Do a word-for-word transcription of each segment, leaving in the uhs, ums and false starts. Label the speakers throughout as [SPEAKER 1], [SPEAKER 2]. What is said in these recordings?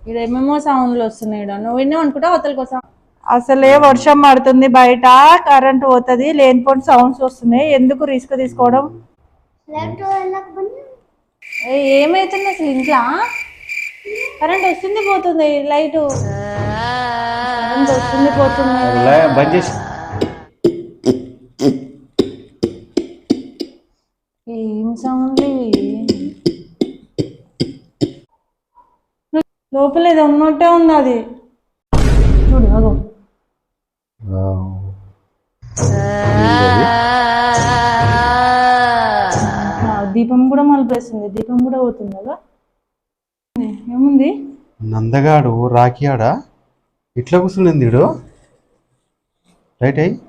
[SPEAKER 1] ఇక్కడ ఏమేమో సౌండ్లు వస్తున్నాయి. నువ్వు విన్నావు అనుకుంటా అవతల కోసం. అసలే వర్షం పడుతుంది, బయట కరెంట్ పోతుంది, లేనిపోని సౌండ్స్ వస్తున్నాయి. ఎందుకు రిస్క్ తీసుకోవడం? ఏమైతుంది అసలు ఇంట్లో? కరెంట్ వస్తుంది పోతుంది, లైట్ కరెంట్ వస్తుంది పోతుంది. ఏం సౌండ్ లోపల ఏదో ఉన్నట్టే ఉంది. అది చూడు అగో. దీపం కూడా మలిపేస్తుంది, దీపం కూడా పోతుంది కదా. ఏముంది?
[SPEAKER 2] నందగాడు రాఖీ ఆడ ఇట్లా కూర్చుంది. రైట్ అయ్యి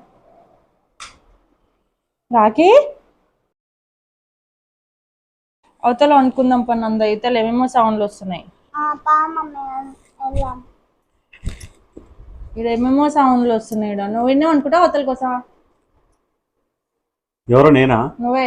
[SPEAKER 1] రాఖీ అవతల అనుకుందాం పని. అంద ఇతలు ఏమేమో సౌండ్లు వస్తున్నాయి. ఇక్కడ ఏమేమో సౌండ్లు వస్తున్నాయి. నువ్వు విన్నావు అనుకుంటా అవతల కోసం.
[SPEAKER 2] ఎవరో నేనా?
[SPEAKER 1] నువ్వే.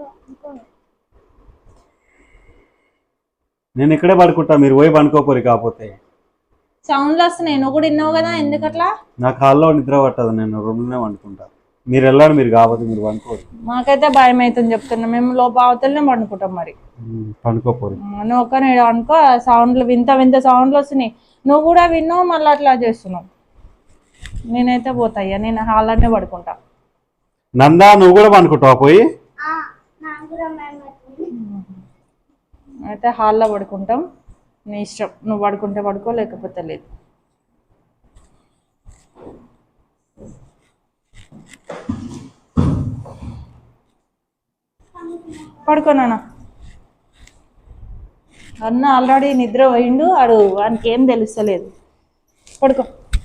[SPEAKER 2] నేను ఇక్కడే పడుకుంటా, మీరు పోయి పడుకోపోరు. కాకపోతే
[SPEAKER 1] సౌండ్లు వస్తున్నాయి, నువ్వు కూడా విన్నావు కదా. ఎందుకట్లా?
[SPEAKER 2] నాకు హాల్లో నిద్ర పట్టదు, నేను రూమ్లోనే పడుకుంటా. మీరు వెళ్ళాడు, మీరు కాకపోతే మీరు పడుకోరు.
[SPEAKER 1] మాకైతే భయం అవుతుంది చెప్తున్నా. మేము లోపల అవతలనే పడుకుంటాం. మరి
[SPEAKER 2] పడుకోపోరు.
[SPEAKER 1] నువ్వు ఒక్క నేను అనుకో. సౌండ్లు వింత వింత సౌండ్లు వస్తున్నాయి. నువ్వు కూడా విన్నావు, మళ్ళీ అట్లా చేస్తున్నావు. నేనైతే పోతాయ్యా, నేను హాల్లోనే పడుకుంటా.
[SPEAKER 2] నందా నువ్వు కూడా పడుకుంటావా పోయి?
[SPEAKER 1] అయితే హాల్లో పడుకుంటాం, నీ ఇష్టం. నువ్వు పడుకుంటే పడుకో, లేకపోతే లేదు. పడుకో నాన్న. అన్న ఆల్రెడీ నిద్ర పోయిండు, ఆడు వానికి ఏం తెలుస్తలేదు. పడుకో,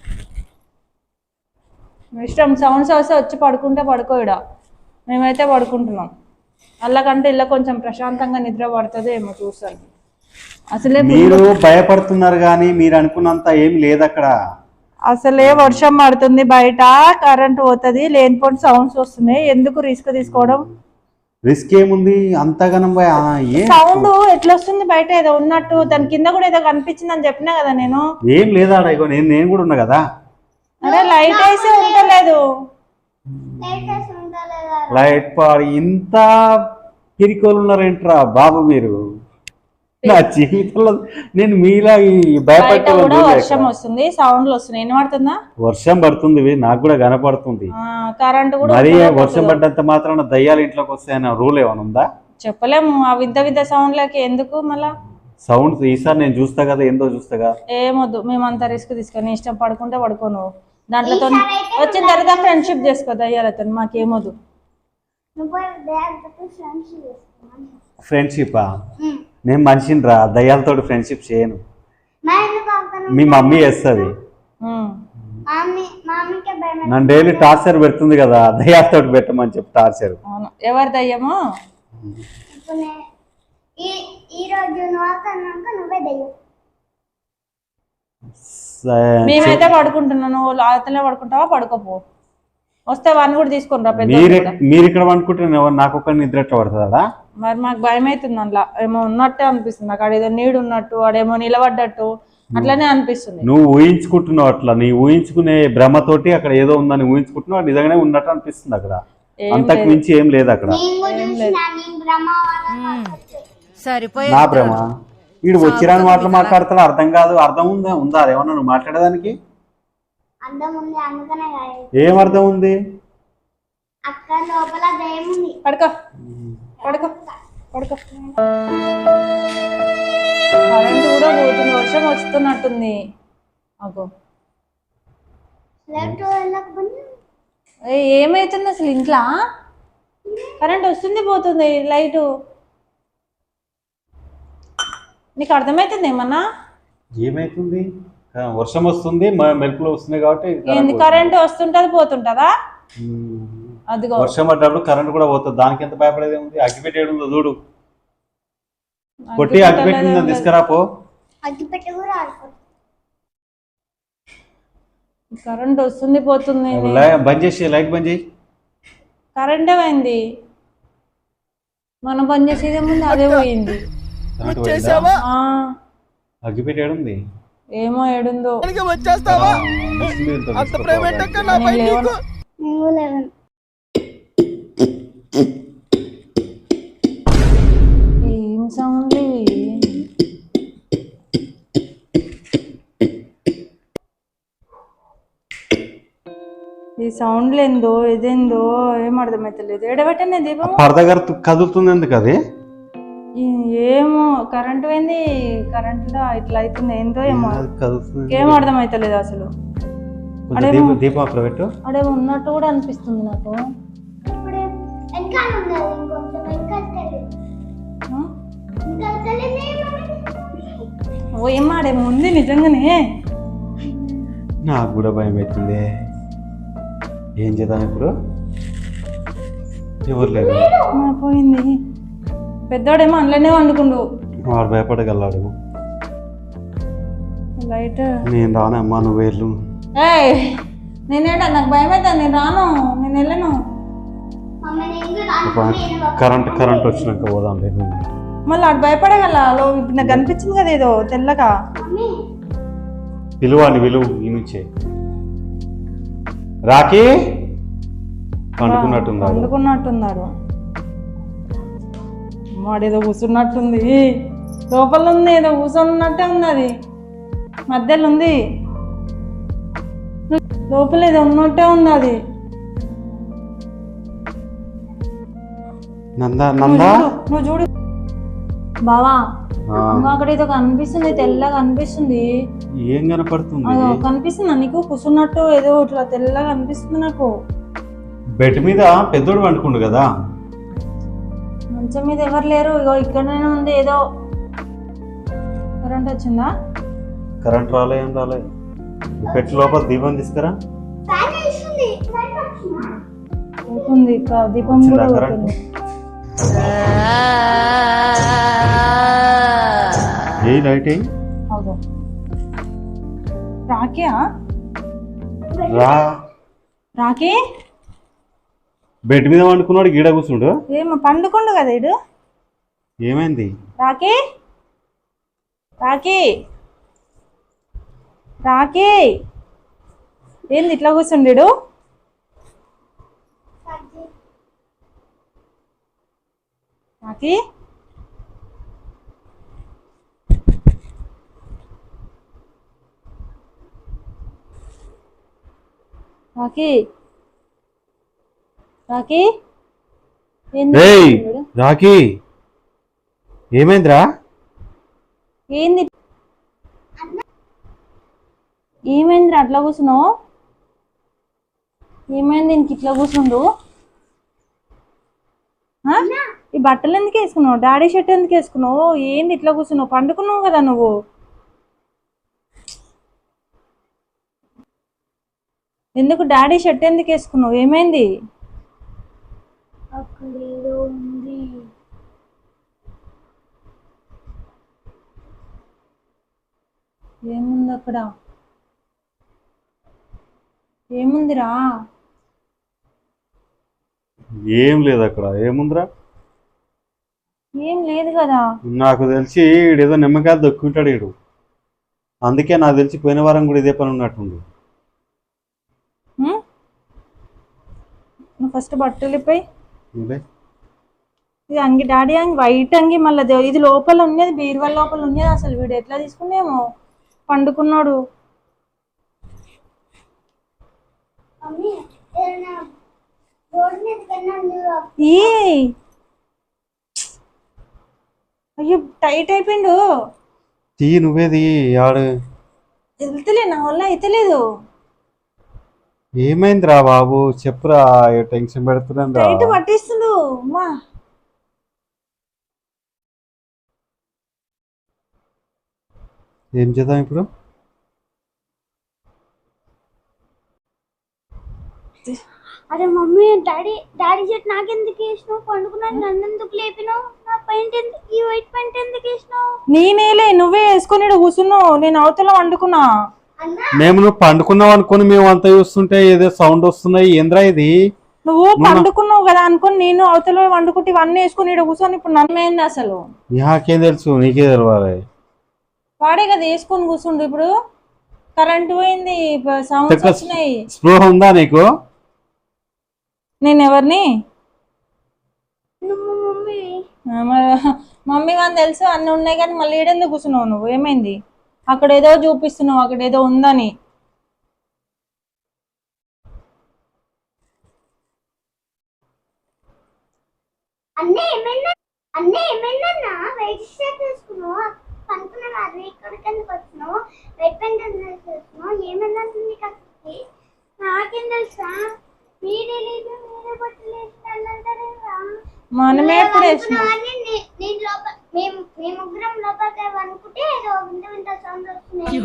[SPEAKER 1] ఇష్టం. సౌండ్స్ వస్తే వచ్చి పడుకుంటే పడుకో. ఇడ మేమైతే పడుకుంటున్నాం. అల్లకంటే ఇలా కొంచెం ప్రశాంతంగా నిద్ర పడుతుంది ఏమో చూస్తాను. అసలే
[SPEAKER 2] మీరు భయపడుతున్నారు కానీ మీరు అనుకున్నంత ఏం లేదు అక్కడ.
[SPEAKER 1] అసలే వర్షం పడుతుంది, బయట కరెంట్ పోతుంది, లేనిపోని సౌండ్స్ వస్తున్నాయి. ఎందుకు రిస్క్ తీసుకోవడం?
[SPEAKER 2] రిస్క్ ఏముంది అంతగానం?
[SPEAKER 1] సౌండ్ ఎట్లా వస్తుంది బయట? ఏదో ఉన్నట్టు. దాని కింద కూడా ఏదో కనిపించింది అని చెప్పినా కదా నేను.
[SPEAKER 2] ఏం లేదా ఇగో నేను నేను కూడా ఉన్నా కదా.
[SPEAKER 1] అరే లైట్ వేసి ఉండలేదు.
[SPEAKER 2] లైట్ పాడి ఇంత పిరికోలు ఉన్నారేంట్రా బాబు మీరు? నా జీవితంలో నేను మీలా భయపడే.
[SPEAKER 1] వర్షం వస్తుంది, సౌండ్లు వస్తున్నాయి. వినపడుతుందా?
[SPEAKER 2] వర్షం పడుతుంది, నాకు కూడా కనపడుతుంది.
[SPEAKER 1] కరెంట్ కూడా.
[SPEAKER 2] మరి వర్షం పడ్డంత మాత్రాన దయ్యాలు ఇంట్లోకి వస్తాయన్న రూల్ ఏమైనా ఉందా?
[SPEAKER 1] చెప్పలేము. ఆ వింత వింత సౌండ్లకి ఎందుకు మళ్ళా
[SPEAKER 2] సౌండ్స్? ఈసారి నేను చూస్తా కదా, ఏందో చూస్తా కదా.
[SPEAKER 1] ఏమొద్దు, మేమంతా రిస్క్ తీసుకొని ఇష్టం పడుకుంటే పడుకోను. దాంట్లో వచ్చిన తర్వాత ఫ్రెండ్షిప్ చేసుకో దయ్యాలతో. మాకేమొద్దు.
[SPEAKER 2] ఫ్రెండ్షిపా? నేను మనిషిని రా, దయ్యాలతో ఫ్రెండ్షిప్ చేయను. మీ మమ్మీ చేస్తుంది. నన్ను డైలీ టార్చర్ పెడుతుంది కదా, దయ్యాలతో పెట్టమని చెప్పి టార్చర్.
[SPEAKER 1] ఎవరి దయ్యమో? మేమైతే పడుకుంటున్నాను, అతనే పడుకుంటావా? పడుకోపో. వస్తే వాడిని కూడా తీసుకుని రా.
[SPEAKER 2] మీరు ఇక్కడ పడుకుంటే నాకు ఒక నిద్ర ఎట్లా పడుతుందా?
[SPEAKER 1] మరి మాకు భయం అవుతుంది. అందులో ఏమో ఉన్నట్టే అనిపిస్తుంది. నాకు ఆడేదో నీడు ఉన్నట్టు, ఆడేమో నిలబడ్డట్టు అట్లనే అనిపిస్తుంది.
[SPEAKER 2] నువ్వు ఊహించుకుంటున్నావు అట్లా. నీ ఊహించుకునే భ్రమతోటి అక్కడ ఏదో ఉందని ఊహించుకుంటున్నావు, నిజంగానే ఉన్నట్టు అనిపిస్తుంది అక్కడ. అంతకు మించి ఏం లేదు అక్కడ. నా భ్రమ? వీడు వచ్చిరాని మాటలు మాట్లాడతాడు, అర్థం కాదు. అర్థం ఉందా? ఉందా ఏమన్నా నువ్వు మాట్లాడేదానికి? ఏం అర్థం ఉంది?
[SPEAKER 1] పడుకో పడుకో పడుకో. కరెంట్ కూడా పోతుంది, వర్షం వస్తున్నట్టుంది. అగో ఏమైతుంది అసలు ఇంట్లో? కరెంట్ వస్తుంది పోతుంది, లైటు. నీకు అర్థమవుతుంది ఏమన్నా?
[SPEAKER 2] ఏమైతుంది? వర్షం వస్తుంది, మెరుపులు వస్తున్నాయి కాబట్టి
[SPEAKER 1] ఏంది కరెంట్ వస్తుంటది పోతుంటదా? అదిగో
[SPEAKER 2] వర్షం పడ్డప్పుడు కరెంట్ కూడా పోతుంది. దానికి ఎంత భయపడేది ఉంది? అగ్గిపెట్టి ఏడుందో చూడు, కొట్టి అగ్గిపెట్టి తీసుకురాపో.
[SPEAKER 1] కరెంట్ వస్తుంది పోతుంది.
[SPEAKER 2] బంద్ చేసి లైట్ బంద్ చేయి.
[SPEAKER 1] కరెంటే పోయింది, మనం బంద్ చేసేదే ముందు అదే పోయింది.
[SPEAKER 2] అగ్గిపెట్టి ఏడుంది?
[SPEAKER 1] ఏమో ఏడుందో.
[SPEAKER 3] వచ్చేస్తావా అంత ప్రైవేట్ నా
[SPEAKER 1] నేను లేవను. ఏం సౌండ్ ఇవి? ఈ సౌండ్లు ఏందో ఇదేందో ఏం అర్థమైతలేదు. ఏడబెట్టండి దీపం.
[SPEAKER 2] పరద కదులుతుంది ఎందుకు అది?
[SPEAKER 1] ఏమో కరెంట్ పోయింది, కరెంట్లో ఇట్లా అవుతుంది ఏందో ఏమో, ఏం అర్థమైతలేదు అసలు.
[SPEAKER 2] దీపం అక్కడ పెట్టు.
[SPEAKER 1] అడే ఉన్నట్టు కూడా అనిపిస్తుంది నాకు. ఓ ఏమాడేమో ఉంది నిజంగానే.
[SPEAKER 2] నాకు కూడా భయం అవుతుంది. ఏం చేద్దాం ఇప్పుడు? ఎవరు లేదు.
[SPEAKER 1] పోయింది. పెద్దోడేమో అందులోనే వండుకుండు.
[SPEAKER 2] వాడు భయపడగలడు.
[SPEAKER 1] లైట్
[SPEAKER 2] నేను రానమ్మా, నువ్వు వెళ్ళు.
[SPEAKER 1] ఏ నేనేడా, నాకు భయం అవుతుంది, నేను రాను, నేను వెళ్ళను.
[SPEAKER 2] కరెంట్ కరెంట్ వచ్చినాక పోదాం లేదు.
[SPEAKER 1] మళ్ళీ అటు భయపడగల. ఇప్పుడు నాకు కనిపించింది కదా ఏదో తెల్లగా.
[SPEAKER 2] పిలువాని విలువ ఈ నుంచే. రాకి పండుకున్నట్టున్నారు
[SPEAKER 1] పండుకున్నట్టున్నారు వాడేదో కూర్చున్నట్టుంది. లోపల ఉంది ఏదో కూర్చున్నట్టే ఉంది. అది మధ్యలో ఉంది, లోపల ఏదో ఉన్నట్టే ఉంది. అది
[SPEAKER 2] నందా నందా
[SPEAKER 1] నువ్వు చూడు బావా, అక్కడ ఏదో కనిపిస్తుంది, తెల్లగా కనిపిస్తుంది.
[SPEAKER 2] ఏం కనపడుతుంది?
[SPEAKER 1] కనిపిస్తుందా నీకు? కూర్చున్నట్టు ఏదో ఇట్లా తెల్లగా కనిపిస్తుంది నాకు.
[SPEAKER 2] బెడ్ మీద పెద్దోడు పండుకుండు కదా.
[SPEAKER 1] మంచం మీద ఎవరు లేరు. ఇగో ఇక్కడనే ఉంది ఏదో. కరెంట్ వచ్చిందా?
[SPEAKER 2] కరెంట్ రాలే, ఏం రాలే. పెట్టి లోపల దీపం తీసుకురా.
[SPEAKER 1] పోతుంది దీపం కూడా పోతుంది.
[SPEAKER 2] ఏ లైట్ ఏ
[SPEAKER 1] రాకియా?
[SPEAKER 2] రా
[SPEAKER 1] రాకి
[SPEAKER 2] బెడ్ మీద వండుకున్నాడు, గీడ కూర్చుండు.
[SPEAKER 1] ఏమో పండుకుండు కదా ఇడు.
[SPEAKER 2] ఏమైంది?
[SPEAKER 1] రాకి రాకి రాకి ఏంది ఇట్లా కూర్చుండు? రాకి రాకి రాకి
[SPEAKER 2] రాకి ఏమైందిరా?
[SPEAKER 1] ఏంది ఏమైందిరా అట్లా కూర్చున్నావు? ఏమైంది దీనికి ఇట్లా కూర్చుండు? ఈ బట్టలు ఎందుకు వేసుకున్నావు? డాడీ షర్ట్ ఎందుకు వేసుకున్నావు? ఏంది ఇట్లా కూర్చున్నావు? పండుకున్నావు కదా నువ్వు. ఎందుకు డాడీ షర్ట్ ఎందుకు వేసుకున్నావు? ఏమైంది? ఏముంది అక్కడ? ఏముందిరా?
[SPEAKER 2] ఏం లేదు అక్కడ. ఏముందిరా?
[SPEAKER 1] ఏం లేదు కదా.
[SPEAKER 2] నాకు తెలిసి ఏదో నిమ్మకాయలు దొక్కుంటాడు వీడు. అందుకే నాకు తెలిసి పోయిన వారం కూడా ఇదే పని ఉన్నట్టుంది.
[SPEAKER 1] నువ్వు ఫస్ట్ బట్టలు ఇప్పాయి. ఇది అంగి డాడీ అంగి వైట్ అంగి. మళ్ళీ ఇది లోపల ఉన్నది, బీరువాల లోపల ఉన్నది. అసలు వీడు ఎట్లా తీసుకునేమో. పండుకున్నాడు. అయ్యో టైట్ అయిపోయిండు.
[SPEAKER 2] తీ నువ్వేది ఆడు
[SPEAKER 1] వెళ్తలే, నా వల్ల అయితలేదు.
[SPEAKER 2] ఏమైందిరా బాబు చెప్పురా, టెన్షన్ పెడుతున్నాను.
[SPEAKER 1] టైట్ పట్టిస్తుండు. అమ్మా
[SPEAKER 2] ఏం చేద్దాం ఇప్పుడు?
[SPEAKER 4] అరే మమ్మీ, డాడీ డాడీ షర్ట్ నాకెందుకు వేసినావు? పండుకున్నాను, నన్ను ఎందుకు లేపినావు? నా పెయింట్ ఎందుకు, ఈ వైట్ పెయింట్ ఎందుకు వేసినావు?
[SPEAKER 1] నేనేలే, నువ్వే వేసుకుని కూర్చున్నావు. నేను అవతల వండుకున్నా.
[SPEAKER 2] మేము నువ్వు పండుకున్నావు అనుకుని మేము అంతా చూస్తుంటే ఏదో సౌండ్ వస్తున్నాయి. ఏంద్రా ఇది?
[SPEAKER 1] నువ్వు పండుకున్నావు కదా అనుకుని నేను అవతల వండుకుంటే ఇవన్నీ వేసుకుని కూర్చొని ఇప్పుడు నన్ను ఏంది అసలు?
[SPEAKER 2] నాకేం తెలుసు, నీకే తెలవాలి.
[SPEAKER 1] వాడే కదా వేసుకొని కూర్చుండు. ఇప్పుడు కరెంట్ పోయింది, సౌండ్స్ వచ్చినాయి.
[SPEAKER 2] స్పృహ ఉందా నీకు?
[SPEAKER 1] నేను ఎవరిని?
[SPEAKER 4] నువ్వు మమ్మీ
[SPEAKER 1] మమ్మీ అని తెలుసు, అన్ని ఉన్నాయి కానీ మళ్ళీ ఏడెందుకు కూర్చున్నావు నువ్వు? ఏమైంది? అక్కడ ఏదో చూపిస్తున్నావు, అక్కడ ఏదో ఉందని.
[SPEAKER 4] అన్నీ ఏమైనా అన్నీ ఏమైందన్నా వెయిట్ షర్ట్ వేసుకున్నావు, పనుకున్నావు, అది ఇక్కడికి ఎందుకు వచ్చినావు, వెయిట్ పెయింట్ ఎందుకు వేసుకున్నావు, ఏమైందంటుంది కత్తికి? నాకేం తెలుసా? మీరే లేదు, మీరే బట్టలు వేసినారంటారా?
[SPEAKER 1] మనమే ఎప్పుడు వేసినాం?
[SPEAKER 4] నేను లోపల మేము మేము ముగ్గురం లోపలికి అనుకుంటే ఏదో వింత వింత సౌండ్ వస్తున్నాయి.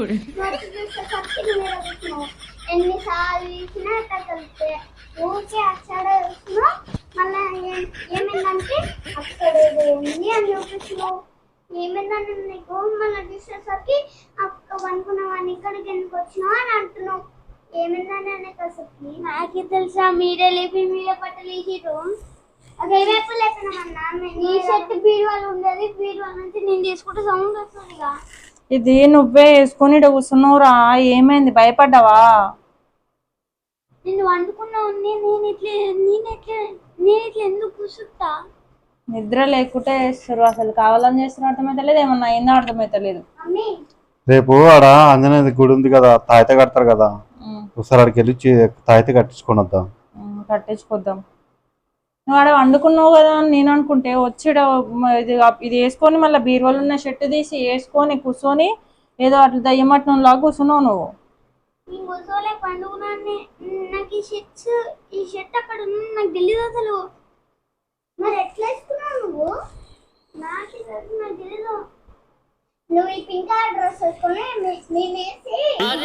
[SPEAKER 4] ఎన్నిసార్లు వేసినా అక్కడ కలిస్తే ఊరికే అక్కడ వేస్తున్నావు. మళ్ళీ ఏమైందంటే అక్కడ ఏదో ఉంది అని చూపిస్తున్నావు. ఏమైందని నీకు మళ్ళీ చూసేసరికి అక్క అనుకున్నావు, ఇక్కడికి ఎందుకు వచ్చినావు అని అంటున్నావు. ఏమైందని అనేసరికి నాకే తెలుసా? మీరే లేపి మీరే బట్టలు వేసిరు. అదేవైపు లేపినామన్నా, నీ షర్ట్ బీరువాలు ఉండేది, బీరువాల నుంచి నేను తీసుకుంటే సౌండ్ వస్తుంది.
[SPEAKER 1] ఇది నువ్వే వేసుకొని ఇక్కడ కూర్చున్నావురా. ఏమైంది? భయపడ్డావా?
[SPEAKER 4] నేను వండుకున్నావు. నేను ఇట్లా నేను ఎట్లా నేను ఇట్లా ఎందుకు కూర్చుంటా?
[SPEAKER 1] నిద్ర లేకుంటే వేస్తారు. అసలు కావాలని చేస్తున్న అర్థమైతలేదు, ఏమన్నా అయిందో అర్థమైతలేదు.
[SPEAKER 4] మమ్మీ
[SPEAKER 2] రేపు ఆడ ఆంజనేయ గుడి ఉంది కదా, తాయిత కడతారు కదా, ఒకసారి అక్కడికి వెళ్ళి తాయిత కట్టించుకొని వద్దాం.
[SPEAKER 1] కట్టించుకొద్దాం. నువ్వు ఆడ వండుకున్నావు కదా అని నేను అనుకుంటే వచ్చి ఇది ఇది వేసుకొని మళ్ళీ బీరువాలు ఉన్న షర్ట్ తీసి వేసుకొని కూర్చొని ఏదో అట్లా దయ్యమట్నం లాగా కూర్చున్నావు నువ్వు.
[SPEAKER 4] నేను కూర్చోలే, పండుకున్నాను. నాకు ఈ షర్ట్స్ ఈ షర్ట్ అక్కడ ఉంది, నాకు తెలియదు అసలు. మరి ఎట్లా వేసుకున్నావు నువ్వు? నాకు నాకు తెలీదు. నువ్వు ఈ పింక్ కలర్ డ్రెస్ వేసుకొని మేము వేసి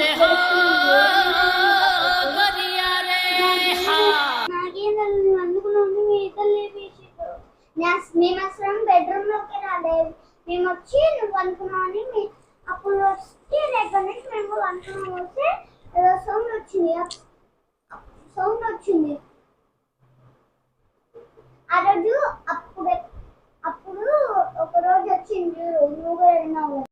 [SPEAKER 4] నాకేం తెలుసు? నువ్వు అందుకున్నావు, మీ ఇద్దరు లేపేసి మేము అసలు బెడ్రూమ్ లోకి రాలేదు. మేము వచ్చి నువ్వు అనుకున్నావు అని అప్పుడు వస్తే రేపటి నుంచి మేము అనుకున్నాం. వస్తే ఏదో సౌండ్ వచ్చింది, సౌండ్ వచ్చింది ఆ రోజు. అప్పుడు అప్పుడు ఒక రోజు వచ్చింది, నువ్వు కూడా విన్నావు.